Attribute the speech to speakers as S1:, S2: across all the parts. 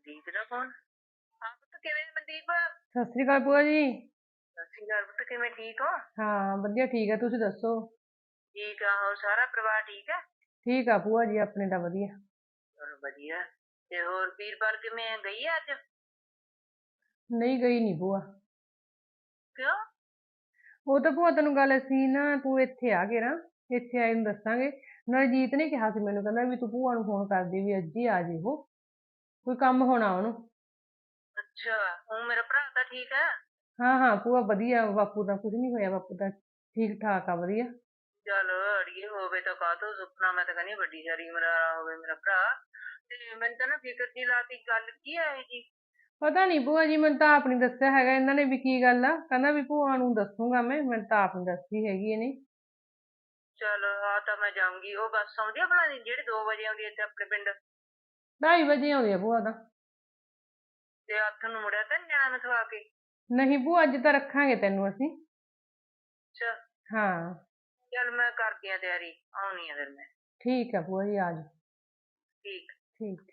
S1: ਮਨਦੀਪ ਦਾ phone. ਹਾਂ ਪੁੱਤ, ਕਿਵੇਂ ਮਨਦੀਪ?
S2: ਸਤਿ ਸ੍ਰੀ ਅਕਾਲ ਭੂਆ ਜੀ।
S1: ਸਤਿ ਸ਼੍ਰੀ ਅਕਾਲ ਪੁੱਤ, ਕਿਵੇਂ ਠੀਕ ਹੋ?
S2: ਹਾਂ ਵਧੀਆ ਠੀਕ ਹੈ, ਤੁਸੀਂ ਦੱਸੋ?
S1: ਠੀਕ ਆ, ਹੋਰ ਸਾਰਾ ਪਰਿਵਾਰ ਠੀਕ ਹੈ?
S2: ਠੀਕ ਆ ਭੂਆ ਜੀ, ਆਪਣੇ ਤਾਂ ਵਧੀਆ।
S1: ਚਲੋ ਵਧੀਆ। ਤੇ ਹੋਰ ਵੀਰਪਾਲ ਕਿਵੇਂ ਆ, ਗਈ ਆ ਅੱਜ?
S2: ਨਹੀਂ ਗਈ ਨਹੀਂ ਭੂਆ।
S1: ਕਿਉਂ?
S2: ਉਹ ਤਾਂ ਭੂਆ ਤੈਨੂੰ ਗੱਲ ਅਸੀਂ ਨਾ, ਤੂੰ ਇੱਥੇ ਆ ਕੇ ਨਾ, ਇੱਥੇ ਆਏ ਨੂੰ ਦੱਸਾਂਗੇ। ਨਾਲੇ ਜੀਤ ਨੇ ਕਿਹਾ ਸੀ ਮੈਨੂੰ, ਕਹਿੰਦਾ ਵੀ ਤੂੰ ਭੂਆ ਨੂੰ ਫੋਨ ਕਰਦੀ ਵੀ ਅੱਜ ਹੀ ਆ ਜੇ, ਉਹ ਕੋਈ ਕੰਮ ਹੋਣਾ ਉਹਨੂੰ।
S1: ਅੱਛਾ, ਹੁਣ ਮੇਰਾ ਭਰਾ ਤਾਂ ਠੀਕ ਹੈ?
S2: ਹਾਂ ਹਾਂ ਭੂਆ ਵਧੀਆ, ਬਾਪੂ ਦਾ ਕੁਝ ਨਹੀਂ ਹੋਇਆ, ਬਾਪੂ ਦਾ ਠੀਕ ਠਾਕ ਆ, ਵਧੀਆ।
S1: ਚਲ ਅੜੀਏ, ਹੋਵੇ ਤਾਂ ਕਾਹਤੋਂ ਸੁਪਨਾ, ਮੈਂ ਤਾਂ ਕਹਿੰਦੀ ਹਾਂ ਵੱਡੀ ਸਾਰੀ ਉਮਰ ਵਾਲਾ ਹੋਵੇ ਮੇਰਾ ਭਰਾ। ਤੇ ਮੈਨੂੰ ਤਾਂ ਨਾ ਫਿਕਰ ਜੀ ਲਾਤੀ, ਗੱਲ ਕੀ ਹੈ ਇਹ ਜੀ?
S2: ਪਤਾ ਨਹੀਂ ਭੂਆ ਜੀ, ਮੈਨੂੰ ਤਾਂ ਆਪ ਨਹੀਂ ਦੱਸਿਆ ਹੈਗਾ ਇਹਨਾਂ ਨੇ ਵੀ ਕੀ ਗੱਲ ਆ, ਕਹਿੰਦਾ ਵੀ ਭੂਆ ਨੂੰ ਦੱਸੂਗਾ ਮੈਂ, ਮੈਨੂੰ ਤਾਂ ਆਪ ਨਹੀਂ ਦੱਸੀ ਹੈਗੀ ਇਹਨੇ।
S1: ਚਲ ਆ ਤਾਂ ਮੈਂ ਜਾਊਂਗੀ, ਉਹ ਬੱਸ ਆਉਂਦੀ ਆ ਭਲਾ ਜਿਹੜੀ 2 ਵਜੇ ਆਉਂਦੀ ਹੈ ਇੱਥੇ ਆਪਣੇ ਪਿੰਡ?
S2: 2:30 ਵਜੇ ਆਉਂਦੀ ਆ ਭੂਆ ਤਾਂ।
S1: ਤੇ ਹੱਥ ਨੂੰ ਮੁੜਿਆ ਤਾਂ ਨੀ ਜਾਣਾ ਮੈਥੋਂ ਆ ਕੇ?
S2: ਨਹੀਂ ਭੂਆ, ਅੱਜ ਤਾਂ ਰੱਖਾਂਗੇ ਤੈਨੂੰ ਅਸੀਂ।
S1: ਅੱਛਾ।
S2: ਹਾਂ
S1: ਚਲ ਮੈਂ ਕਰਦੀ ਆ ਤਿਆਰੀ, ਆਉਣੀ ਆ ਫਿਰ ਮੈਂ।
S2: ਠੀਕ ਆ ਭੂਆ ਜੀ, ਆ ਜਾਓ।
S1: ਠੀਕ।
S2: ਠੀਕ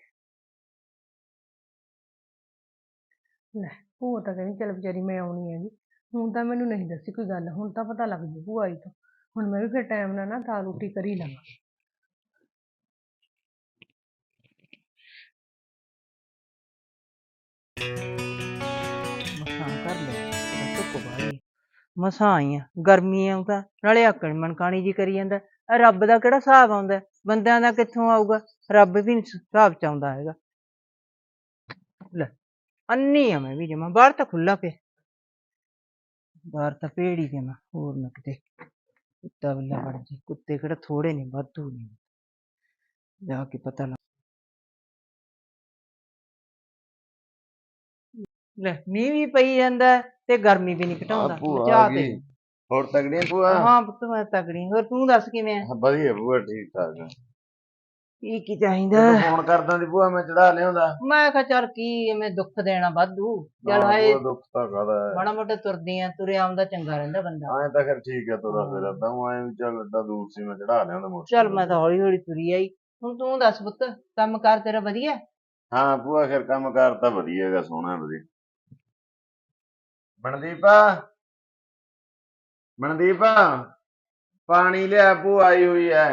S2: ਲੈ, ਭੂਆ ਤਾਂ ਕਹਿੰਦੀ ਚੱਲ ਵਿਚਾਰੀ ਮੈਂ ਆਉਣੀ ਹੈਗੀ। ਹੁਣ ਤਾਂ ਮੈਨੂੰ ਨਹੀਂ ਦੱਸੀ ਕੋਈ ਗੱਲ, ਹੁਣ ਤਾਂ ਪਤਾ ਲੱਗ ਜੂ ਭੂਆ ਆਈ ਤੋਂ। ਹੁਣ ਮੈਂ ਵੀ ਫਿਰ ਟਾਈਮ ਨਾਲ ਨਾ ਦਾਲ ਰੋਟੀ ਕਰੀ ਲਵਾਂ।
S3: ਮਸਾਂ ਕਰ ਲਿਆ, ਧੁੱਪ ਬਾਹਲੀ ਮਸਾਂ ਆਈ ਆ, ਗਰਮੀ ਆਉਂਦਾ ਨਾਲੇ ਆਕੜ ਮਨਕਾਣੀ ਜੀ ਕਰੀ ਜਾਂਦਾ। ਰੱਬ ਦਾ ਕਿਹੜਾ ਹਿਸਾਬ ਆਉਂਦਾ, ਬੰਦਿਆਂ ਦਾ ਕਿੱਥੋਂ ਆਊਗਾ? ਰੱਬ ਵੀ ਨੀ ਹਿਸਾਬ ਚ ਆਉਂਦਾ ਹੈਗਾ। ਲੈ ਅੰਨੀ ਆ ਮੈਂ ਵੀ ਜਮਾ, ਬਾਹਰ ਤਾਂ ਖੁੱਲਾ ਪਿਆ, ਬਾਹਰ ਤਾਂ ਭੇੜ ਹੀ ਜਮਾ, ਹੋਰ ਨਾ ਕਿਤੇ ਕੁੱਤਾ ਬਿੱਲਾ ਵੜ ਜੇ। ਕੁੱਤੇ ਕਿਹੜਾ ਥੋੜੇ ਨੇ, ਵਾਧੂ ਨੇ, ਜਾ ਕੇ ਪਤਾ ਲੱਗ। ਲੈ ਮੀਂਹ ਵੀ ਪਈ ਜਾਂਦਾ ਤੇ ਗਰਮੀ ਵੀ ਨੀ ਘਟਾਉਂਦਾ,
S4: ਭੂਆ
S3: ਮਚਾ
S4: ਆ
S3: ਤੇ।
S4: ਗਈ। ਹੋਰ ਤਗੜੀਆਂ ਭੂਆ?
S3: ਹਾਂ ਪੁੱਤ ਮੈਂ ਤਕੜੀ, ਹੋਰ ਤੂੰ ਦੱਸ ਕਿਵੇਂ ਆ?
S4: ਵਧੀਆ ਭੂਆ, ਠੀਕ ਠਾਕ ਆ।
S3: ਕੀ ਚਾਹੀਦਾ?
S4: ਤੂੰ ਫੋਨ ਕਰਦਾ ਦੀ ਭੂਆ, ਮੈਂ ਚੜਾ ਲਿਆਉਂਦਾ।
S3: ਮੈਂ ਕਿਹਾ ਚੱਲ ਕੀ ਐਵੇਂ ਦੁੱਖ ਦੇਣਾ ਵਾਧੂ, ਚੱਲ
S4: ਨਾ
S3: ਹਾਏ
S4: ਭੂਆ, ਦੁੱਖ ਤਾਂ ਕਾਹਦਾ ਹੈ।
S3: ਮਾੜਾ ਮੋਟਾ ਤੁਰਦੀ ਆ, ਤੁਰਿਆ ਆਉਂਦਾ ਚੰਗਾ ਰਹਿੰਦਾ ਬੰਦਾ।
S4: ਐਂ ਤਾਂ ਫਿਰ ਠੀਕ ਹੈ, ਤੁਰਾ ਫਿਰਾ ਤਾਂ ਐਂ ਵੀ ਚੱਲ ਏਡਾ ਦੂਰ ਸੀ, ਮੈਂ ਚੜਾ ਲਿਆਉਂਦਾ
S3: ਚੱਲ
S4: ਮੋਟਰਸਾਈਕਲ
S3: ਮੈਂ ਤਾਂ ਹੌਲੀ ਹੌਲੀ ਤੁਰੀ ਆਈ। ਹੁਣ ਤੂੰ ਦੱਸ ਪੁੱਤ, ਕੰਮ ਕਾਰ ਤੇਰਾ ਵਧੀਆ?
S4: ਹਾਂ ਭੂਆ, ਫਿਰ ਕੰਮ ਕਾਰ ਤਾਂ ਵਧੀਆ ਹੈਗਾ, ਸੋਹਣਾ ਵਧੀਆ। ਮਨਦੀਪ, ਮਨਦੀਪ ਪਾਣੀ ਲਿਆ, ਭੂਆ ਆਈ ਹੋਈ ਐ।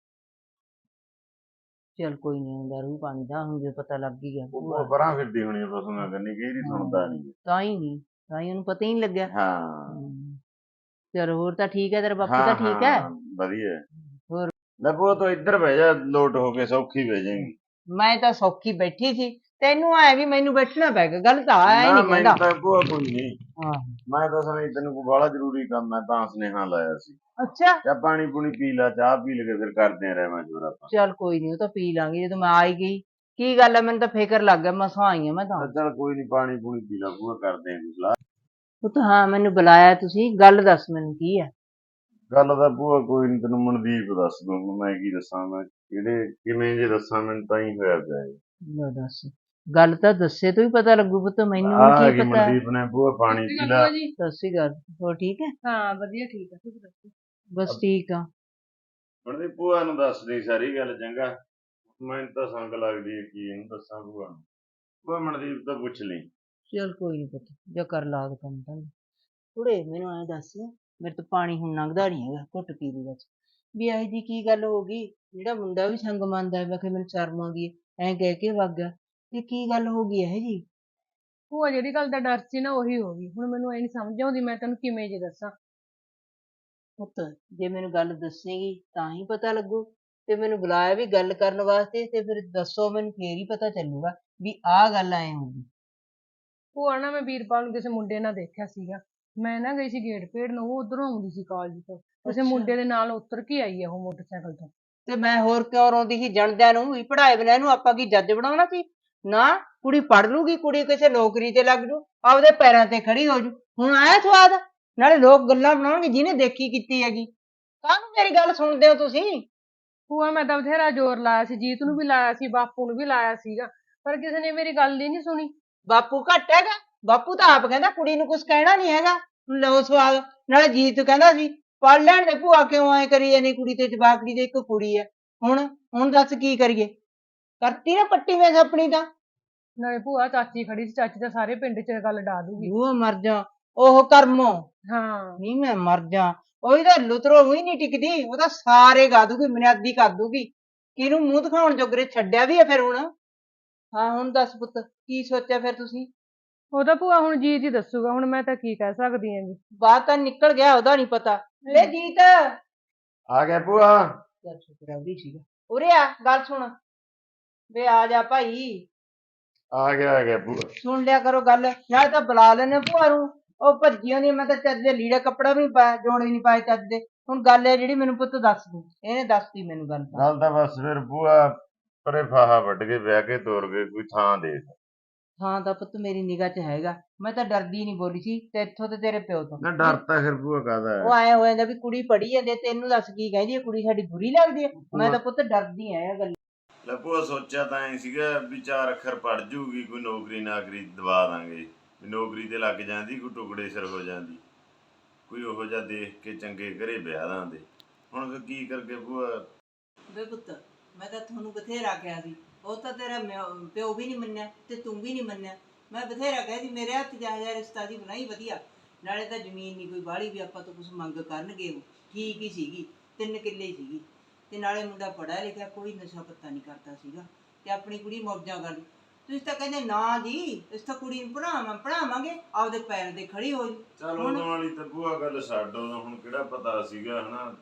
S3: ਚੱਲ ਕੋਈ ਨੀ, ਆਉਂਦਾ ਰੂ ਪਾਣੀ ਦਾ, ਹੁਣ ਜੇ ਪਤਾ ਲੱਗ ਹੀ ਗਿਆ।
S4: ਉਹ ਪਰਾਂ ਫਿਰਦੀ ਹੋਣੀ ਪਸ਼ੂਆਂ ਕੰਨੀ, ਕਈ ਨਹੀਂ ਸੁਣਦਾ ਨਹੀਂ।
S3: ਤਾਂ ਹੀ ਨਹੀਂ, ਤਾਂ ਹੀ ਉਹਨੂੰ ਪਤਾ ਹੀ ਨਹੀਂ ਲੱਗਿਆ।
S4: ਹਾਂ
S3: ਚਲ ਹੋਰ ਤਾਂ ਠੀਕ ਹੈ, ਤੇਰਾ ਬਾਪੂ
S4: ਹਾਂ
S3: ਤਾਂ ਠੀਕ ਹੈ?
S4: ਹਾਂ ਵਧੀਆ।
S3: ਹੋਰ
S4: ਲੈ ਭੂਆ, ਤੂੰ ਇੱਧਰ ਬਹਿ ਜਾ, ਲੋਟ ਹੋ ਕੇ ਸੌਖੀ ਬਹਿ ਜਾਏਗੀ।
S3: ਮੈਂ ਤਾਂ ਸੌਖੀ ਬੈਠੀ ਸੀ, ਤੈਨੂੰ ਆਇਆ ਵੀ ਮੈਨੂੰ ਬੈਠਣਾ ਪੈ ਗਿਆ, ਗੱਲ ਤਾਂ ਆਇਆ ਹੀ
S4: ਨਾ
S3: ਨਹੀਂ
S4: ਮੈਨੂੰ
S3: ਕਹਿੰਦਾ।
S4: ਤਾਂ ਭੂਆ ਕੋਈ ਨਹੀਂ,
S3: ਹਾਂ
S4: ਮੈਂ ਤਾਂ ਸਮਝ ਤੈਨੂੰ ਕੋਈ ਬਾਹਲਾ ਜ਼ਰੂਰੀ ਕੰਮ ਹੈ ਤਾਂ ਸੁਨੇਹਾ ਲਾਇਆ ਸੀ।
S3: ਅੱਛਾ,
S4: ਚਾਹ ਪਾਣੀ ਪੂਣੀ ਪੀ ਲਾ, ਚਾਹ ਪੀ ਲਗੇ ਫਿਰ ਕਰਦੇ ਆ ਰਹਿਮਾ ਜੋਰ ਆਪਾਂ।
S3: ਚੱਲ ਕੋਈ ਨੀ, ਉਹ ਤਾਂ ਪੀ ਲਾਂਗੇ ਜਦੋਂ ਮੈਂ ਆਈ ਗਈ। ਕੀ ਗੱਲ ਹੈ, ਮੈਨੂੰ ਤਾਂ ਫਿਕਰ ਲੱਗ ਗਿਆ, ਮਸਾਂ ਆਈ ਆ ਮੈਂ ਤਾਂ।
S4: ਚੱਲ ਕੋਈ ਨਹੀਂ, ਪਾਣੀ ਪੂਣੀ ਪੀ ਲਾ ਭੂਆ, ਕਰਦੇ ਆਂ ਸਲਾਹ।
S3: ਉਹ ਤਾਂ ਹਾਂ, ਮੈਨੂੰ ਬੁਲਾਇਆ ਤੁਸੀਂ, ਗੱਲ ਦੱਸ ਮੈਨੂੰ ਕੀ ਹੈ?
S4: ਗੱਲ ਤਾਂ ਭੂਆ ਕੋਈ ਨਹੀਂ, ਤੈਨੂੰ ਮਨਦੀਪ ਦੱਸ ਦੂੰਗਾ, ਮੈਂ ਕੀ ਦੱਸਾਂ, ਮੈਂ ਕਿਹੜੇ ਕਿਵੇਂ ਜੇ ਦੱਸਾਂ, ਮੈਨੂੰ ਤਾਂ ਹੀ ਹੋਇਆ ਪਿਆ ਹੈ।
S3: ਲੈ ਦੱਸ, ਗੱਲ ਤਾਂ ਦੱਸੇ ਤੋਂ ਹੀ ਪਤਾ ਲੱਗੂ ਪੁੱਤ, ਮੈਨੂੰ
S4: ਆ
S3: ਵੀ ਕੀ
S4: ਗਈ
S3: ਪਤਾ।
S4: ਮਨਦੀਪ ਨੇ, ਭੂਆ ਪਾਣੀ ਪੀ ਲਾ।
S3: ਸਤਿ ਸ਼੍ਰੀ ਅਕਾਲ, ਹੋਰ ਠੀਕ ਹੈ?
S2: ਹਾਂ ਵਧੀਆ ਠੀਕ ਆ, ਤੁਸੀਂ ਦੱਸੋ?
S3: ਬਸ ਠੀਕ ਆ।
S4: ਮਨਦੀਪ ਭੂਆ ਨੂੰ ਦੱਸ ਦੇ ਸਾਰੀ ਗੱਲ, ਚੰਗਾ? ਮੈਨੂੰ ਤਾਂ ਸੰਗ ਲੱਗਦੀ ਹੈ, ਕੀ ਇਹਨੂੰ ਦੱਸਾਂ ਭੂਆ ਨੂੰ। ਭੂਆ ਮਨਦੀਪ ਤੋਂ ਪੁੱਛ ਲਈ।
S3: ਚੱਲ ਕੋਈ ਨੀ ਪੁੱਤ, ਜਾਂ ਕਰ ਲਾਗ ਕੰਮ ਤਾਂ। ਕੁੜੇ ਮੈਨੂੰ ਐਂ ਦੱਸ, ਮੇਰੇ ਤੋਂ ਪਾਣੀ ਹੁਣ ਲੰਘਦਾ ਨੀ ਹੈਗਾ, ਘੁੱਟ ਪੀ ਲਈ ਬਸ। ਵੀ ਇਹੋ ਜੀ ਕੀ ਗੱਲ ਹੋ ਗਈ, ਜਿਹੜਾ ਮੁੰਡਾ ਵੀ ਸੰਗ ਮੰਨਦਾ ਹੈ, ਕਿ ਮੈਨੂੰ ਸ਼ਰਮ ਆਉਂਦੀ ਹੈ, ਐਂ ਕਹਿ ਕੇ ਵਗ ਗਿਆ, ਤੇ ਕੀ ਗੱਲ ਹੋ ਗਈ ਇਹੋ ਜੀ?
S2: ਭੂਆ ਜਿਹੜੀ ਗੱਲ ਦਾ ਡਰ ਸੀ ਨਾ, ਉਹੀ ਹੋ ਗਈ। ਹੁਣ ਮੈਨੂੰ ਇਹ ਨਹੀਂ ਸਮਝ ਆਉਂਦੀ ਮੈਂ ਤੈਨੂੰ ਕਿਵੇਂ ਜੇ ਦੱਸਾਂ।
S3: ਪੁੱਤ ਜੇ ਮੈਨੂੰ ਗੱਲ ਦੱਸੇਗੀ ਤਾਂ ਹੀ ਪਤਾ ਲੱਗੂ, ਤੇ ਮੈਨੂੰ ਬੁਲਾਇਆ ਵੀ ਗੱਲ ਕਰਨ ਵਾਸਤੇ, ਤੇ ਫਿਰ ਦੱਸੋ ਮੈਨੂੰ, ਫੇਰ ਹੀ ਪਤਾ ਚੱਲੂਗਾ ਵੀ ਆਹ ਗੱਲ ਐ ਹੋਊਗੀ।
S2: ਭੂਆ ਨਾ, ਮੈਂ ਵੀਰਪਾਲ ਨੂੰ ਕਿਸੇ ਮੁੰਡੇ ਨਾਲ ਦੇਖਿਆ ਸੀਗਾ। ਮੈਂ ਨਾ ਗਈ ਸੀ ਗੇਟ ਭੇੜ ਨੂੰ, ਉਹ ਉਧਰੋਂ ਆਉਂਦੀ ਸੀ ਕਾਲਜ ਤੋਂ, ਕਿਸੇ ਮੁੰਡੇ ਦੇ ਨਾਲ ਉਤਰ ਕੇ ਆਈ ਆ ਉਹ ਮੋਟਰਸਾਈਕਲ ਤੋਂ।
S3: ਤੇ ਮੈਂ ਹੋਰ ਕਿਉਂ ਰੋਂਦੀ ਸੀ, ਜਣਦਿਆਂ ਨੂੰ ਵੀ ਪੜ੍ਹਾਏ ਬਿਨਾਂ ਇਹਨੂੰ ਆਪਾਂ ਕੀ ਜੱਜ ਬਣਾਉਣਾ ਸੀ? ਨਾ, ਕੁੜੀ ਪੜ੍ਹ ਲੂਗੀ, ਕੁੜੀ ਕਿਸੇ ਨੌਕਰੀ ਤੇ ਲੱਗ ਜੂ, ਆਪਦੇ ਪੈਰਾਂ ਤੇ ਖੜੀ ਹੋ ਜੂ। ਹੁਣ ਆਇਆ ਸਵਾਦ? ਨਾਲੇ ਲੋਕ ਗੱਲਾਂ ਬਣਾਉਣਗੇ ਜਿਹਨੇ ਦੇਖੀ ਕੀਤੀ ਹੈਗੀ। ਕਾਹਨੂੰ ਮੇਰੀ ਗੱਲ ਸੁਣਦੇ ਹੋ ਤੁਸੀਂ?
S2: ਭੂਆ ਮੈਂ ਤਾਂ ਬਥੇਰਾ ਜ਼ੋਰ ਲਾਇਆ ਸੀ, ਜੀਤ ਨੂੰ ਵੀ ਲਾਇਆ ਸੀ, ਬਾਪੂ ਨੂੰ ਵੀ ਲਾਇਆ ਸੀਗਾ, ਪਰ ਕਿਸੇ ਨੇ ਮੇਰੀ ਗੱਲ ਹੀ ਨਹੀਂ ਸੁਣੀ।
S3: ਬਾਪੂ ਘੱਟ ਹੈਗਾ? ਬਾਪੂ ਤਾਂ ਆਪ ਕਹਿੰਦਾ ਕੁੜੀ ਨੂੰ ਕੁਝ ਕਹਿਣਾ ਨਹੀਂ ਹੈਗਾ। ਲਓ ਸਵਾਦ। ਨਾਲੇ ਜੀਤ ਕਹਿੰਦਾ ਸੀ ਪੜ੍ਹ ਲੈਣ ਦੇ, ਭੂਆ ਕਿਉਂ ਐ ਕਰੀ ਜਾਨੀ, ਕੁੜੀ ਤੇ ਜਵਾਕੜੀ ਦੇ ਇੱਕ ਕੁੜੀ ਐ। ਹੁਣ ਦੱਸ ਕੀ ਕਰੀਏ? ਕਰਤੀ ਨਾ ਪੱਟੀ ਵੇਖ ਆਪਣੀ ਤਾਂ।
S2: ਨਾਲੇ ਭੂਆ ਚਾਚੀ ਖੜੀ ਸੀ, ਚਾਚੀ ਤਾਂ ਸਾਰੇ ਪਿੰਡ 'ਚ ਗੱਲ ਡਾ ਦੂਗੀ।
S3: ਉਹ ਮਰ ਜਾ, ਉਹ ਕਰਮੋ
S2: ਹਾਂ
S3: ਨਹੀਂ ਮੈਂ ਮਰ ਜਾ। ਉਹਦੀ ਤਾਂ ਲੁਤਰੋ ਹੀ ਨਹੀਂ ਟਿਕਦੀ, ਉਹ ਤਾਂ ਸਾਰੇ ਗਾ ਦੂਗੀ, ਬੁਨਿਆਦੀ ਕਰ ਦੂਗੀ। ਕਿਹਨੂੰ ਮੂੰਹ ਦਿਖਾਉਣ ਜੋਗਰੇ ਛੱਡਿਆ ਵੀ ਆ ਫਿਰ ਹੁਣ। ਹਾਂ ਹੁਣ ਦੱਸ ਪੁੱਤ, ਕੀ ਸੋਚਿਆ ਫਿਰ ਤੁਸੀਂ?
S2: ਉਹ ਤਾਂ ਭੂਆ ਹੁਣ ਜੀਤ ਹੀ ਦੱਸੂਗਾ, ਹੁਣ ਮੈਂ ਤਾਂ ਕੀ ਕਹਿ ਸਕਦੀ ਹੈਗੀ।
S3: ਬਾਤ ਤਾਂ ਨਿਕਲ ਗਿਆ, ਉਹਦਾ ਨਹੀਂ ਪਤਾ। ਵੇ ਜੀਤ,
S4: ਆ ਗਿਆ ਭੂਆ।
S3: ਚੱਲ ਸ਼ੁਕਰ ਆ ਉਹਦੀ ਸੀਗਾ। ਉਰੇ ਆ, ਗੱਲ ਸੁਣ। ਵੇ ਆ ਜਾ ਭਾਈ,
S4: ਆ ਗਿਆ ਭੂਆ।
S3: ਸੁਣ ਲਿਆ ਕਰੋ ਗੱਲ, ਨਾਲੇ ਤਾਂ ਬੁਲਾ ਲੈਨੇ ਭੂਆ ਨੂੰ। ਉਹ ਭੱਜੀ ਆਉਂਦੀ, ਮੈਂ ਤਾਂ ਚੱਜ ਦੇ ਲੀੜਾ ਕੱਪੜਾ ਵੀ ਨੀ ਪਾਇਆ, ਜੋੜੇ ਨੀ ਪਾਏ ਚੱਜ ਦੇ। ਹੁਣ ਗੱਲ ਹੈ ਜਿਹੜੀ, ਮੈਨੂੰ ਪੁੱਤ ਦੱਸ ਦੂ। ਇਹਨੇ ਦੱਸਤੀ ਮੈਨੂੰ ਗੱਲ ਤਾਂ।
S4: ਗੱਲ ਤਾਂ ਬਸ ਫਿਰ ਭੂਆ ਪਰੇ ਫਾਹਾ ਵੱਢ ਕੇ ਵਿਆਹ ਕੇ ਤੋਰ ਗਏ, ਕੋਈ ਥਾਂ ਦੇਖ।
S3: ਹਾਂ ਤਾਂ ਪੁੱਤ ਮੇਰੀ ਨਿਗਾਹ 'ਚ ਹੈਗਾ, ਮੈਂ ਤਾਂ ਡਰਦੀ ਨਹੀਂ ਬੋਲੀ ਸੀ ਤੇ ਇੱਥੋਂ ਤੇ ਤੇਰੇ ਪਿਓ ਤੋਂ।
S4: ਨਾ ਡਰ ਤਾਂ ਫਿਰ ਭੂਆ ਕਾਹਦਾ
S3: ਉਹ
S4: ਹੈ।
S3: ਐਂ ਹੋ ਜਾਂਦਾ ਵੀ ਕੁੜੀ ਪੜ੍ਹੀ ਜਾਂਦੀ ਹੈ, ਤੈਨੂੰ ਦੱਸ ਕੀ ਕਹਿੰਦੀ ਹੈ, ਕੁੜੀ ਸਾਡੀ ਬੁਰੀ ਲੱਗਦੀ ਹੈ। ਮੈਂ ਤਾਂ ਪੁੱਤ ਡਰਦੀ ਆ ਇਹ ਗੱਲ।
S4: ਲੈ ਭੂਆ ਸੋਚਿਆ ਤਾਂ ਐ ਸੀਗਾ ਵੀ 4 ਅੱਖਰ ਪੜ ਜੂਗੀ, ਕੋਈ ਨੌਕਰੀ ਨਾਕਰੀ ਦਵਾ ਦਾਂਗੇ, ਵੀ ਨੌਕਰੀ ਤੇ ਲੱਗ ਜਾਂਦੀ, ਕੋਈ ਟੁਕੜੇ ਸਿਰ ਹੋ ਜਾਂਦੀ, ਕੋਈ ਉਹੋ ਜਿਹਾ ਦੇਖ ਕੇ ਚੰਗੇ ਘਰੇ ਵਿਆਹ ਦਾਂਦੇ। ਹੁਣ ਫਿਰ ਕੀ ਕਰਕੇ ਭੂਆ?
S3: ਵੇ ਪੁੱਤ, ਮੈਂ ਤਾਂ ਤੁਹਾਨੂੰ ਬਥੇਰਾ ਕਿਹਾ ਸੀ, ਉਹ ਤਾਂ ਤੇਰਾ ਪਿਓ ਵੀ ਨਹੀਂ ਮੰਨਿਆ ਤੇ ਤੂੰ ਵੀ ਨਹੀਂ ਮੰਨਿਆ। ਮੈਂ ਬਥੇਰਾ ਕਿਹਾ ਸੀ ਮੇਰੇ ਹੱਥ ਜਾ ਰਿਸ਼ਤਾ ਦੀ ਬਣਾਈ ਵਧੀਆ, ਨਾਲੇ ਤਾਂ ਜ਼ਮੀਨ ਨਹੀਂ ਕੋਈ ਬਾਹਲੀ ਵੀ ਆਪਾਂ ਤੋਂ ਕੁਛ ਮੰਗ ਕਰਨਗੇ। ਉਹ ਠੀਕ ਹੀ ਸੀਗੀ, 3 ਕਿੱਲੇ ਹੀ ਸੀਗੀ, ਤੇ ਨਾਲੇ ਮੁੰਡਾ ਪੜ੍ਹਿਆ ਲਿਖਿਆ, ਕੋਈ ਨਸ਼ਾ ਪੱਤਾ ਨਹੀਂ ਕਰਦਾ ਸੀਗਾ, ਤੇ ਆਪਣੀ ਕੁੜੀ ਮੌਜਾਂ ਕਰਦੀ। ਤੁਸੀਂ ਤਾਂ ਕਹਿੰਦੇ ਨਾ ਜੀ, ਇਸ ਤਾਂ ਕੁੜੀ ਨੂੰ ਪੜ੍ਹਾਵਾਂਗੇ, ਆਪਦੇ ਪੈਰ ਤੇ ਖੜੀ ਹੋ ਜੂ।
S4: ਚੱਲ ਉਦੋਂ ਵਾਲੀ ਤਾਂ ਭੂਆ ਗੱਲ ਛੱਡ, ਉਦੋਂ ਹੁਣ ਕਿਹੜਾ ਪਤਾ ਸੀਗਾ ਹਨਾ।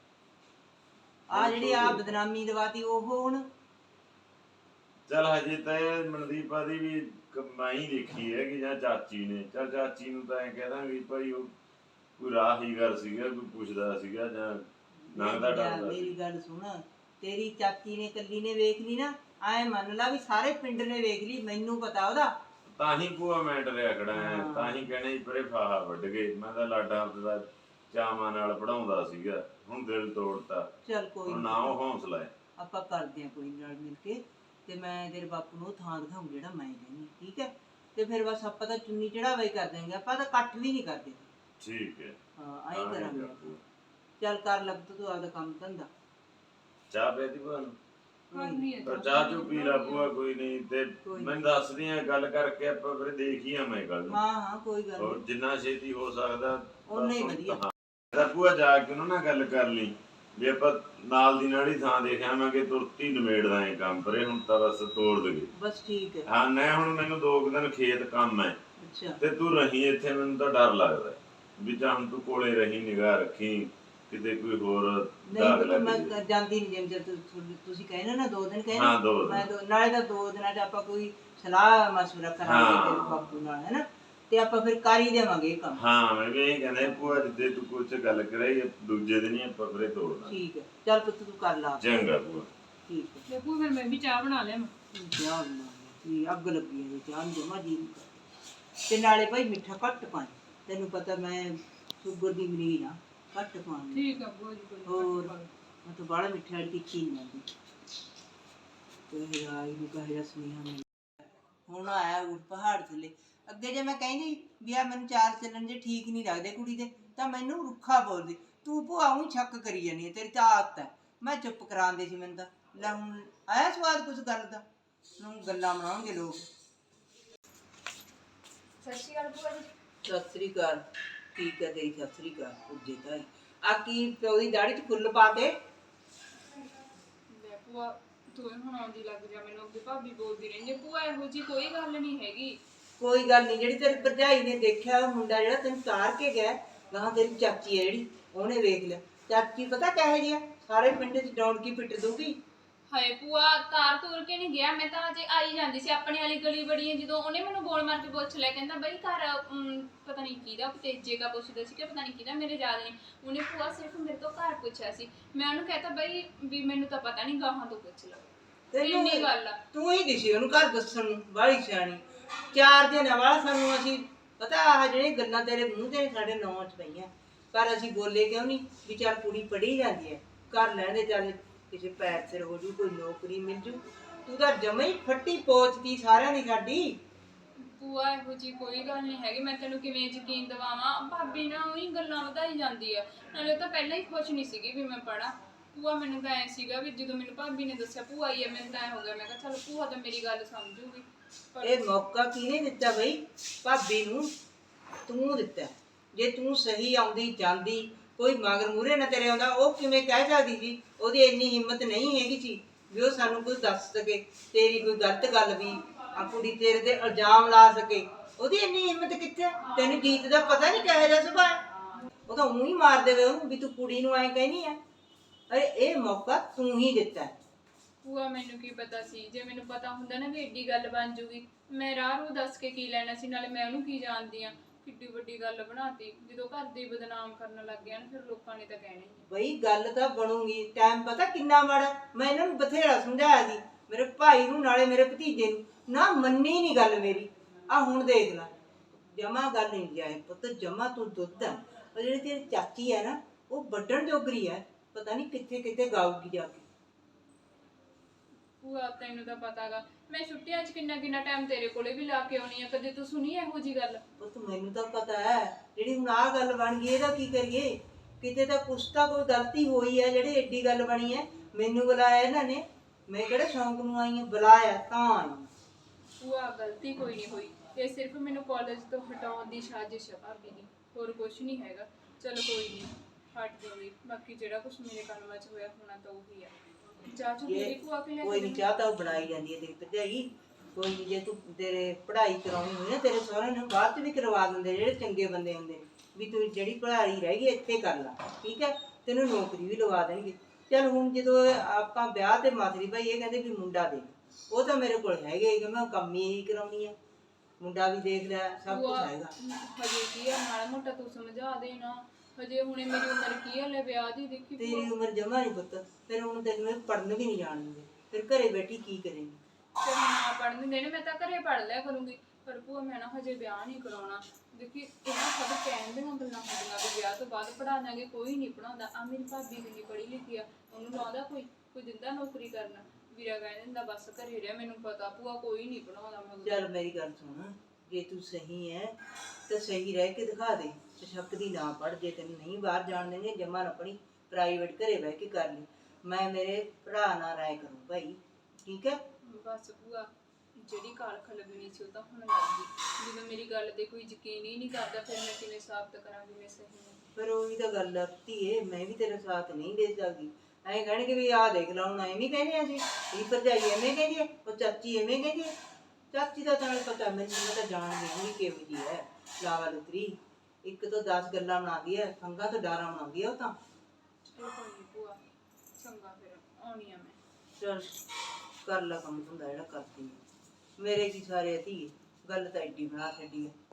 S3: ਆ ਜਿਹੜੀ ਆ ਬਦਨਾਮੀ ਦਵਾਤੀ ਉਹ ਹੁਣ।
S4: ਚੱਲ ਹਜੇ ਤਾਂ ਇਹ ਮਨਦੀਪਾ ਦੀ ਵੀ ਕਮਾਈ ਦੇਖੀ ਹੈ ਕਿ ਜਾਂ ਚਾਚੀ ਨੇ। ਚੱਲ ਚਾਚੀ ਨੂੰ ਤਾਂ ਐਂ ਕਹਿ ਦਾਂਗੇ ਭਾਈ ਉਹ ਕੋਈ ਰਾਹੀਗਰ ਸੀਗਾ, ਕੋਈ ਪੁੱਛਦਾ ਸੀਗਾ ਜਾਂ ਲੰਘਦਾ ਟੱਪਦਾ।
S3: ਮੇਰੀ ਗੱਲ ਸੁਣ, ਤੇਰੀ ਚਾਚੀ ਨੇ ਕੱਲੀ ਨੇ ਵੇਖ ਲਈ ਨਾ, ਐ ਮੰਨ ਲਾ ਵੀ ਸਾਰੇ ਪਿੰਡ ਨੇ ਵੇਖ ਲਈ, ਮੈਨੂੰ ਪਤਾ ਉਹਦਾ।
S4: ਤਾਂ ਹੀ ਭੂਆ ਮੈਂ ਡਰਿਆ ਖੜਾ ਐ, ਤਾਂ ਹੀ ਕਹਿਣਾ ਸੀ ਪਰੇ ਫਾਹਾ ਵੱਢ ਗਏ। ਮੈਂ ਤਾਂ ਲਾਡਾ ਦਾ ਚਾਵਾਂ ਨਾਲ ਪੜਾਉਂਦਾ ਸੀਗਾ, ਹੁਣ ਦਿਲ ਤੋੜਤਾ।
S3: ਚੱਲ ਕੋਈ
S4: ਨਾ ਉਹ ਹੌਸਲਾ ਹੈ।
S3: ਆਪਾਂ ਕਰਦੇ ਆ ਕੋਈ ਨਾਲ ਮਿਲ ਕੇ, ਤੇ ਮੈਂ ਤੇਰੇ ਬਾਪੂ ਨੂੰ ਉਹ ਥਾਂ ਦਿਖਾਉਂ ਜਿਹੜਾ ਮੈਂ ਕਹਿੰਦੀ, ਠੀਕ ਹੈ? ਤੇ ਫਿਰ ਬਸ ਆਪਾਂ ਤਾਂ ਚੁੰਨੀ ਚੜਾਵਾ ਹੀ ਕਰ ਦੇਂਗੇ, ਆਪਾਂ ਤਾਂ ਇਕੱਠ ਵੀ ਨਹੀਂ ਕਰਦੇ।
S4: ਠੀਕ ਹੈ,
S3: ਹਾਂ ਆਈ ਕਰਾਂਗੇ ਆਪਾਂ। ਚੱਲ ਕਰ ਲੱਗ ਤੂੰ ਆਪਦਾ ਕੰਮ ਧੰਦਾ।
S4: ਚਾਹ ਪੀਤੀ ਭੂਆ ਨੂੰ? ਚਾਹ ਚੂ ਪੀ ਲਾ ਭੂਆ, ਕੋਈ ਨਹੀਂ। ਤੇ ਮੈਨੂੰ ਦੱਸਦੀ ਆ ਗੱਲ ਕਰਕੇ, ਆਪਾਂ ਫਿਰ ਦੇਖ ਹੀ ਆਵਾਂਗੇ ਕੱਲ।
S3: ਹਾਂ ਕੋਈ ਗੱਲ ਨਹੀਂ,
S4: ਜਿੰਨਾ ਛੇਤੀ ਹੋ ਸਕਦਾ
S3: ਉਨਾ ਹੀ ਵਧੀਆ।
S4: ਤਾਂ ਭੂਆ ਜਾ ਕੇ ਉਹਨਾਂ ਨਾਲ ਗੱਲ ਕਰ ਲਈ ਵੀ ਆਪਾਂ ਨਾਲ ਦੀ ਨਾਲ ਹੀ ਥਾਂ ਦੇਖ ਆਵਾਂਗੇ, ਤੁਰਤ ਹੀ ਨਿਬੇੜਦਾ ਇਹ ਕੰਮ। ਪਰੇ ਹੁਣ ਤਾਂ ਬਸ ਤੋੜ ਦੇਗੇ।
S3: ਬਸ ਠੀਕ ਹੈ।
S4: ਹਾਂ ਨਾ ਹੁਣ ਮੈਨੂੰ 2 ਦਿਨ ਖੇਤ ਕੰਮ ਹੈ, ਤੇ ਤੂੰ ਰਹੀ ਇੱਥੇ। ਮੈਨੂੰ ਤਾਂ ਡਰ ਲੱਗਦਾ ਵੀ ਜਾਂ ਹੁਣ ਤੂੰ ਕੋਲੇ ਰਹੀ, ਨਿਗਾਹ ਰੱਖੀ, ਕਿਤੇ ਕੋਈ ਹੋਰ ਦਾਗ ਲੱਗ
S3: ਮੈਂ
S4: ਜਾਏ।
S3: ਜਾਂਦੀ ਨਹੀਂ, ਜਿਵੇਂ ਤੁਸੀਂ ਕਹਿੰਦੇ ਨਾ 2 ਦਿਨ ਕਹਿੰਦੇ।
S4: ਹਾਂ 2
S3: ਮੈਂ
S4: ਦਿਨ
S3: ਨਾਲੇ ਤਾਂ 2 ਦਿਨਾਂ 'ਚ ਆਪਾਂ ਕੋਈ ਸਲਾਹ ਮਸ਼ਵਰਾ ਕਰਾਂਗੇ ਤੇਰੇ ਬਾਪੂ ਨਾਲ, ਹੈ ਨਾ? ਤੇ ਆਪਾਂ ਫਿਰ ਕਰ ਹੀ ਦੇਵਾਂਗੇ ਇਹ ਕੰਮ।
S4: ਹਾਂ ਮੈਂ ਵੀ ਇਹ ਕਹਿੰਦਾ ਭੂਆ ਜਿੱਦੇ ਤੂੰ ਕੁਛ ਗੱਲ ਕਰਾਈ, ਦੂਜੇ ਦਿਨ ਹੀ ਆਪਾਂ ਫਿਰ ਤੋੜਨਾ।
S3: ਠੀਕ ਹੈ, ਚੱਲ ਪੁੱਤ ਤੂੰ ਕਰ ਲਾ।
S4: ਚੰਗਾ ਭੂਆ।
S3: ਠੀਕ ਹੈ
S2: ਦੇਖੋ ਫਿਰ ਮੈਂ ਵੀ ਚਾਹ ਬਣਾ ਲਿਆ।
S3: ਚਾਹ ਬਣਾ ਅੱਗ ਲੱਗੀ ਹੈ ਚਾਹ ਨੂੰ, ਜਮਾ ਜੀ ਨਹੀਂ ਕਰਦਾ। ਤੇ ਨਾਲੇ ਭਾਈ ਮਿੱਠਾ ਘੱਟ ਪਾਈ, ਤੈਨੂੰ ਪਤਾ ਮੈਂ ਸ਼ੂਗਰ ਦੀ ਮਰੀਜ਼ ਆ, ਘੱਟ ਪਾਉਣੀ।
S2: ਠੀਕ ਆ ਭੂਆ ਜੀ।
S3: ਹੋਰ ਮੈਂ ਤਾਂ ਬਾਹਲਾ ਮਿੱਠੇ ਵਾਲੀ ਤਿੱਖੀ ਨਹੀਂ ਜਾਂਦੀ। ਤੇ ਆਈ ਨੂੰ ਕਹੇ ਸੁਨੇਹਾ ਮਿਲ ਹੁਣ ਆਇਆ ਉਹ ਪਹਾੜ ਥੱਲੇ। ਅੱਗੇ ਜੇ ਮੈਂ ਕਹਿੰਦੀ ਵੀ ਆ ਮੈਨੂੰ 4 ਚੱਲਣ ਜੇ ਠੀਕ ਨਹੀਂ ਲੱਗਦੇ ਕੁੜੀ ਦੇ, ਤਾਂ ਮੈਨੂੰ ਰੁੱਖਾ ਬੋਲਦੀ। ਤੂੰ ਭੂਆ ਊਂ ਸ਼ੱਕ ਕਰੀ ਜਾਂਦੀ ਹੈ, ਤੇਰੀ ਤਾਂ ਆਦਤ ਹੈ। ਮੈਂ ਚੁੱਪ ਕਰਾਉਂਦੀ ਸੀ, ਮੈਨੂੰ ਤਾਂ ਲੈ ਹੁਣ ਆਇਆ ਸਵਾਦ ਕੁਛ ਗੱਲ ਦਾ, ਹੁਣ ਗੱਲਾਂ ਬਣਾਉਣਗੇ ਲੋਕ।
S5: ਸਤਿ ਸ਼੍ਰੀ ਅਕਾਲ ਭੂਆ ਜੀ।
S3: ਸਤਿ ਸ੍ਰੀ ਅਕਾਲ। ਠੀਕ ਹੈ ਤੇਰੀ ਸਤਿ ਸ੍ਰੀ ਅਕਾਲ। ਪੁੱਜੇ ਤਾਂ ਆ ਕੀ ਪਿਓ ਦੀ ਦਾੜੀ 'ਚ ਫੁੱਲ ਪਾ ਕੇ?
S5: ਲੈ ਭੂਆ ਤੂੰ ਹੁਣ ਆਉਂਦੀ ਲੱਗ ਜਾ, ਮੈਨੂੰ ਅੱਗੇ ਭਾਬੀ ਬੋਲਦੀ ਰਹਿੰਦੀ। ਭੂਆ ਇਹੋ ਜੀ ਕੋਈ ਗੱਲ ਨਹੀਂ ਹੈਗੀ।
S3: ਕੋਈ ਗੱਲ ਨਹੀਂ, ਜਿਹੜੀ ਤੇਰੀ ਭਰਜਾਈ ਨੇ ਦੇਖਿਆ ਉਹ ਮੁੰਡਾ ਜਿਹੜਾ ਤੈਨੂੰ ਤਾਰ ਕੇ ਗਿਆ, ਗਾਹਾਂ ਤੇਰੀ ਚਾਚੀ ਹੈ ਜਿਹੜੀ, ਉਹਨੇ ਵੇਖ ਲਿਆ। ਚਾਚੀ ਪਤਾ ਕਿਹੋ ਜਿਹੀ ਆ, ਸਾਰੇ ਪਿੰਡ 'ਚ ਡੌਂਕੀ ਪਿੱਟ ਦੂਗੀ।
S5: ਹਾਏ ਭੂਆ ਤਾਰ ਤੂਰ ਕੇ ਨਹੀਂ ਗਿਆ, ਮੈਂ ਤਾਂ ਅਜੇ ਆਈ ਜਾਂਦੀ ਸੀ। ਆਪਣੇ ਵਾਲੀ ਗਲੀ ਬੜੀ ਹੈ, ਜਦੋਂ ਉਹਨੇ ਮੈਨੂੰ ਬੋਲ ਮਾਰ ਕੇ ਪੁੱਛ ਲਿਆ, ਕਹਿੰਦਾ ਬਈ ਘਰ ਪਤਾ ਨਹੀਂ ਕਿਹਦਾ, ਤੇਜੇ ਦਾ ਪੁੱਛਦਾ ਸੀ ਕਿ ਪਤਾ ਨਹੀਂ ਕਿਹਦਾ, ਮੇਰੇ ਯਾਦ ਨਹੀਂ। ਉਹਨੇ ਭੂਆ ਸਿਰਫ ਮੇਰੇ ਤੋਂ ਘਰ ਪੁੱਛਿਆ ਸੀ। ਮੈਂ ਉਹਨੂੰ ਕਹਿਤਾ ਬਈ ਵੀ ਮੈਨੂੰ ਤਾਂ ਪਤਾ ਨਹੀਂ, ਗਾਹਾਂ ਤੋਂ ਪੁੱਛ ਲਓ। ਇੰਨੀ ਗੱਲ ਆ।
S3: ਤੂੰ ਹੀ ਦਿਸੀ ਉਹਨੂੰ ਘਰ ਦੱਸਣ ਨੂੰ, ਬਾਹਲੀ ਸਿਆਣੀ। 4 ਦਿਨ ਵਾਲਾ ਸਾਨੂੰ ਅਸੀਂ ਪਤਾ ਆਹ ਜਿਹੜੀਆਂ ਗੱਲਾਂ ਤੇਰੇ ਮੂੰਹ ਤੇ ਸਾਡੇ ਨੌਂ 'ਚ ਪਈਆਂ, ਪਰ ਅਸੀਂ ਬੋਲੇ ਕਿਉਂ ਨਹੀਂ ਵੀ ਚੱਲ ਕੁੜੀ ਪੜ੍ਹੀ ਜਾਂਦੀ ਹੈ, ਘਰ ਲੈਂਦੇ ਚੱਲ ਕਿਸੇ ਪੈਰ ਸਿਰ ਹੋ ਜੂ, ਕੋਈ ਨੌਕਰੀ ਮਿਲ ਜੂ। ਤੂੰ ਤਾਂ ਜਮਾ ਹੀ ਫੱਟੀ ਪੋਚਦੀ ਸਾਰਿਆਂ ਦੀ ਸਾਡੀ।
S5: ਭੂਆ ਇਹੋ ਜੀ ਕੋਈ ਗੱਲ ਨਹੀਂ ਹੈਗੀ, ਮੈਂ ਤੈਨੂੰ ਕਿਵੇਂ ਯਕੀਨ ਦਿਵਾਵਾਂ? ਭਾਬੀ ਨਾ ਉਹੀ ਗੱਲਾਂ ਵਧਾਈ ਜਾਂਦੀ ਆ, ਨਾਲੇ ਉਹ ਤਾਂ ਪਹਿਲਾਂ ਹੀ ਖੁਸ਼ ਨਹੀਂ ਸੀਗੀ ਵੀ ਮੈਂ ਪੜਾਂ। ਭੂਆ ਮੈਨੂੰ ਤਾਂ ਐ ਸੀਗਾ ਵੀ ਜਦੋਂ ਮੈਨੂੰ ਭਾਬੀ ਨੇ ਦੱਸਿਆ ਭੂਆ ਆਈ ਹੈ, ਮੈਨੂੰ ਤਾਂ ਐ ਹੋ ਗਿਆ, ਮੈਂ ਕਿਹਾ ਚੱਲ ਭੂਆ ਤਾਂ ਮੇਰੀ ਗੱਲ ਸਮਝੂਗੀ। ਪਰ
S3: ਇਹ ਮੌਕਾ ਕਿਹਨੇ ਦਿੱਤਾ ਬਈ? ਭਾਬੀ ਨੂੰ ਤੂੰ ਦਿੱਤਾ। ਜੇ ਤੂੰ ਸਹੀ ਆਉਂਦੀ ਜਾਂਦੀ, ਕੋਈ ਮਗਰ ਮੂਹਰੇ ਨਾ ਤੇਰੇ ਆਉਂਦਾ, ਉਹ ਕਿਵੇਂ ਕਹਿ ਸਕਦੀ ਸੀ? ਉਹਦੀ ਇੰਨੀ ਹਿੰਮਤ ਨਹੀਂ ਹੈਗੀ ਸੀ ਵੀ ਉਹ ਸਾਨੂੰ ਕੋਈ ਦੱਸ ਸਕੇ, ਤੇਰੀ ਕੋਈ ਗਲਤ ਗੱਲ ਵੀ ਆ ਕੁੜੀ ਤੇਰੇ ਤੇ ਇਲਜ਼ਾਮ ਲਾ ਸਕੇ। ਉਹਦੀ ਇੰਨੀ ਹਿੰਮਤ ਕਿੱਥੇ? ਤੈਨੂੰ ਜੀਤ ਦਾ ਪਤਾ ਨਹੀਂ ਕਿਹੋ ਜਿਹਾ ਸੁਭਾਅ। ਉਹ ਤਾਂ ਊਂ ਹੀ ਮਾਰ ਦੇਵੇ ਉਹਨੂੰ ਵੀ ਤੂੰ ਕੁੜੀ ਨੂੰ ਐਂ ਕਹਿਨੀ ਆ। ਅਰੇ ਇਹ ਮੌਕਾ ਤੂੰ ਹੀ ਦਿੱਤਾ।
S5: ਭੂਆ ਮੈਨੂੰ ਕੀ ਪਤਾ ਸੀ? ਜੇ ਮੈਨੂੰ ਪਤਾ ਹੁੰਦਾ ਨਾ ਵੀ ਏਡੀ ਗੱਲ ਬਣ ਜੂਗੀ, ਮੈਂ ਰਾਹ ਨੂੰ ਦੱਸ ਕੇ ਕੀ ਲੈਣਾ ਸੀ? ਨਾਲੇ ਮੈਂ ਉਹਨੂੰ ਕੀ ਜਾਣਦੀ ਆ? ਕਿੱਡੀ ਵੱਡੀ ਗੱਲ ਬਣਾਤੀ। ਜਦੋਂ ਘਰ ਦੇ ਬਦਨਾਮ ਕਰਨ ਲੱਗ ਗਿਆ ਨਾ, ਫਿਰ ਲੋਕਾਂ ਨੇ ਤਾਂ ਕਹਿਣਾ ਹੀ ਆ।
S3: ਬਈ ਗੱਲ ਤਾਂ ਬਣੂਗੀ। ਟਾਈਮ ਪਤਾ ਕਿੰਨਾ ਮਾੜਾ। ਮੈਂ ਇਹਨਾਂ ਨੂੰ ਬਥੇਰਾ ਸਮਝਾਇਆ ਸੀ, ਮੇਰੇ ਭਾਈ ਨੂੰ ਨਾਲੇ ਮੇਰੇ ਭਤੀਜੇ ਨੂੰ, ਨਾ ਮੰਨੀ ਨਹੀਂ ਗੱਲ ਮੇਰੀ। ਆ ਹੁਣ ਦੇਖ ਲੈ, ਜਮਾ ਗੱਲ ਨਹੀਂ ਜਾਏ ਪੁੱਤ, ਜਮਾ ਤੂੰ ਦੁੱਧ ਆ। ਉਹ ਜਿਹੜੀ ਤੇਰੀ ਚਾਚੀ ਹੈ ਨਾ, ਉਹ ਵੱਢਣ ਜੋਗਰੀ ਹੈ। ਪਤਾ ਨਹੀਂ ਕਿੱਥੇ ਕਿੱਥੇ ਗਾਊਗੀ ਜਾ ਕੇ।
S5: ਭੂਆ ਤੈਨੂੰ ਤਾਂ ਪਤਾਗਾ, ਮੈਂ ਛੁੱਟੀਆਂ 'ਚ ਕਿੰਨਾ ਕਿੰਨਾ ਟਾਈਮ ਤੇਰੇ ਕੋਲੇ ਵੀ ਲਾ ਕੇ ਆਉਣੀ ਆ। ਕਦੇ ਤੂੰ ਸੁਣੀ ਇਹੋ ਜੀ ਗੱਲ?
S3: ਪੁੱਤ ਮੈਨੂੰ ਤਾਂ ਪਤਾ ਹੈ, ਜਿਹੜੀ ਹੁਣ ਆਹ ਗੱਲ ਬਣ ਗਈ ਇਹਦਾ ਕੀ ਕਰੀਏ? ਕਿਤੇ ਤਾਂ ਕੁਛ ਤਾਂ ਕੋਈ ਗਲਤੀ ਹੋਈ ਹੈ ਜਿਹੜੀ ਏਡੀ ਗੱਲ ਬਣੀ ਹੈ। ਮੈਨੂੰ ਬੁਲਾਇਆ ਇਹਨਾਂ ਨੇ, ਮੈਂ ਕਿਹੜੇ ਸ਼ੌਂਕ ਨੂੰ ਆਈ ਹਾਂ? ਬੁਲਾਇਆ ਤਾਂ ਆਈ।
S5: ਭੂਆ ਗਲਤੀ ਕੋਈ ਨਹੀਂ ਹੋਈ, ਇਹ ਸਿਰਫ ਮੈਨੂੰ ਕਾਲਜ ਤੋਂ ਹਟਾਉਣ ਦੀ ਸਾਜ਼ਿਸ਼ ਹੈ ਭਾਬੀ ਦੀ, ਹੋਰ ਕੁਝ ਨਹੀਂ ਹੈਗਾ। ਚਲੋ ਕੋਈ ਨਹੀਂ, ਹਟ ਜਾਊਗੀ। ਬਾਕੀ ਜਿਹੜਾ ਕੁਝ ਮੇਰੇ ਕੰਮਾਂ 'ਚ ਹੋਇਆ ਹੋਣਾ ਤਾਂ ਉਹੀ ਆ। ਚਾਚੂ ਤੇਰੀ ਭੂਆ ਕਿ ਲੈ
S3: ਕੋਈ ਨਹੀਂ, ਚਾਹ ਤਾਂ ਉਹ ਬਣਾਈ ਜਾਂਦੀ ਹੈ ਤੇਰੀ ਭਰਜਾਈ। ਕੋਈ ਨਹੀਂ, ਜੇ ਤੂੰ ਤੇਰੇ ਪੜ੍ਹਾਈ ਕਰਾਉਣੀ ਹੋਈ ਨਾ, ਤੇਰੇ ਸਹੁਰੇ ਨੂੰ ਬਾਅਦ 'ਚ ਵੀ ਕਰਵਾ ਦਿੰਦੇ ਜਿਹੜੇ ਚੰਗੇ ਬੰਦੇ ਹੁੰਦੇ ਨੇ, ਵੀ ਤੂੰ ਜਿਹੜੀ ਪੜ੍ਹਾਈ ਰਹਿ ਗਈ ਇੱਥੇ ਕਰ ਲਾ, ਠੀਕ ਹੈ? ਤੈਨੂੰ ਨੌਕਰੀ ਵੀ ਲਵਾ ਦੇਣਗੇ। ਚੱਲ ਹੁਣ ਜਦੋਂ ਆਪਾਂ ਵਿਆਹ ਤੇ ਮਾਤਰੀ ਭਾਈ ਇਹ ਕਹਿੰਦੇ ਵੀ ਮੁੰਡਾ ਦੇ, ਉਹ ਤਾਂ ਮੇਰੇ ਕੋਲ ਹੈਗੇ, ਕਿ ਮੈਂ ਕੰਮ ਹੀ ਇਹੀ ਕਰਾਉਣੀ ਆ। ਮੁੰਡਾ ਵੀ ਦੇਖ ਲਿਆ, ਸਭ ਕੁਝ ਹੈਗਾ।
S5: ਹਜੇ ਕੀ ਆ, ਮਾੜਾ ਮੋਟਾ ਤੂੰ ਸਮਝਾ ਦੇ ਨਾ। ਹਜੇ ਹੁਣੇ ਮੇਰੀ ਉਮਰ ਕੀ ਆ ਲੈ ਵਿਆਹ ਦੀ? ਦੇਖੀ
S3: ਤੇਰੀ ਉਮਰ ਜਮਾ ਨਹੀਂ ਪੁੱਤ, ਫਿਰ ਹੁਣ ਤੈਨੂੰ ਪੜ੍ਹਨ ਵੀ ਨਹੀਂ ਜਾਣ ਦਿੰਦੇ, ਫਿਰ ਘਰੇ ਬੈਠੀ ਕੀ ਕਰੇਂਗੀ?
S5: ਚਲ ਨਾ ਪੜ੍ਹਨ ਦੇਣ, ਮੈਂ ਤਾਂ ਘਰੇ ਪੜ੍ਹ ਲਿਆ ਕਰੂੰਗੀ। ਪਰ ਭੂਆ ਮੈਂ ਨਾ ਹਜੇ ਵਿਆਹ ਨਹੀਂ ਕਰਾਉਣਾ। ਦੇਖੀ ਇਹਨਾਂ ਸਭ ਕਹਿਣ ਦੀਆਂ ਗੱਲਾਂ ਹੁੰਦੀਆਂ ਵੀ ਵਿਆਹ ਤੋਂ ਬਾਅਦ ਪੜ੍ਹਾ ਦਾਂਗੇ, ਕੋਈ ਨਹੀਂ ਪੜ੍ਹਾਉਂਦਾ। ਆ ਮੇਰੀ ਭਾਬੀ ਕਿੰਨੀ ਪੜ੍ਹੀ ਲਿਖੀ ਆ, ਉਹਨੂੰ ਲਾਉਂਦਾ ਕੋਈ ਦਿੰਦਾ ਨੌਕਰੀ ਕਰਨਾ? ਵੀਰਾ ਕਹਿ ਦਿੰਦਾ ਬਸ ਘਰੇ ਰਿਹਾ। ਮੈਨੂੰ ਪਤਾ ਭੂਆ ਕੋਈ ਨਹੀਂ ਪੜ੍ਹਾਉਂਦਾ ਮਗਰ।
S3: ਚੱਲ ਮੇਰੀ ਗੱਲ ਸੁਣ, ਜੇ ਤੂੰ ਸਹੀ ਹੈ ਤਾਂ ਸਹੀ ਰਹਿ ਕੇ ਦਿਖਾ ਦੇ। ਸ਼ੱਕ ਦੀ ਨਾ ਪੜ। ਜੇ ਤੈਨੂੰ ਨਹੀਂ ਬਾਹਰ ਜਾਣ ਦੇਣਗੇ, ਜਮਾ ਨਾ ਪੜੀ, ਪ੍ਰਾਈਵੇਟ ਘਰੇ ਬਹਿ ਕੇ ਕਰ ਲਈ। ਮੈਂ ਮੇਰੇ ਭਰਾ ਨਾਲ ਰਾਏ ਕਰੂੰ ਭਾਈ, ਠੀਕ ਹੈ?
S5: ਬਸ ਭੂਆ, ਜਿਹੜੀ ਕਾਲਖ ਲੱਗਣੀ ਸੀ ਉਹ ਤਾਂ ਹੁਣ ਲੱਗ ਗਈ। ਜਦੋਂ ਮੇਰੀ ਗੱਲ ਤੇ ਕੋਈ ਯਕੀਨ ਹੀ ਨਹੀਂ ਕਰਦਾ, ਫਿਰ ਮੈਂ ਕਿਵੇਂ ਸਾਬਤ ਕਰਾਂਗੀ ਮੈਂ ਸਹੀ ਹਾਂ?
S3: ਪਰ ਉਹੀ ਤਾਂ ਗੱਲ ਆ ਧੀਏ, ਮੈਂ ਵੀ ਤੇਰਾ ਸਾਥ ਨਹੀਂ ਦੇ ਸਕਦੀ। ਐਂ ਕਹਿਣਗੇ ਵੀ ਆਹ ਦੇਖ ਲਾ, ਹੁਣ ਐਵੇਂ ਕਹਿੰਦੇ ਅਸੀਂ, ਇਹ ਭਰਜਾਈ ਐਵੇਂ ਕਹਿੰਦੀ ਹੈ, ਉਹ ਚਾਚੀ ਐਵੇਂ ਕਹਿੰਦੀ ਹੈ। ਚਾਚੀ ਦਾ ਤਾਂ ਪਤਾ ਮੈਨੂੰ, ਮੈਂ ਤਾਂ ਜਾਣਦੀ ਨਹੀਂ ਕਿਹੋ ਜਿਹੀ ਹੈ, ਲਾਵਾ ਲੁਤਰੀ। ਇੱਕ ਤੋਂ 10 ਗੱਲਾਂ ਬਣਾਉਂਦੀ ਹੈ, ਖੰਗਾ ਤੋਂ ਡਾਰਾ ਬਣਾਉਂਦੀ ਹੈ ਉਹ ਤਾਂ।
S5: ਚਲੋ ਕੋਈ ਨਹੀਂ ਭੂਆ, ਚੰਗਾ ਫਿਰ ਆਉਣੀ ਆ ਮੈਂ।
S3: ਚੱਲ ਕਰ ਲਾ ਕੰਮ ਧੰਦਾ ਜਿਹੜਾ ਕਰਦੀ ਹੈ। ਮੇਰੇ ਕੀ ਸਾਰੇ ਧੀਏ, ਗੱਲ ਤਾਂ ਐਡੀ ਬਣਾ ਛੱਡੀ ਹੈ।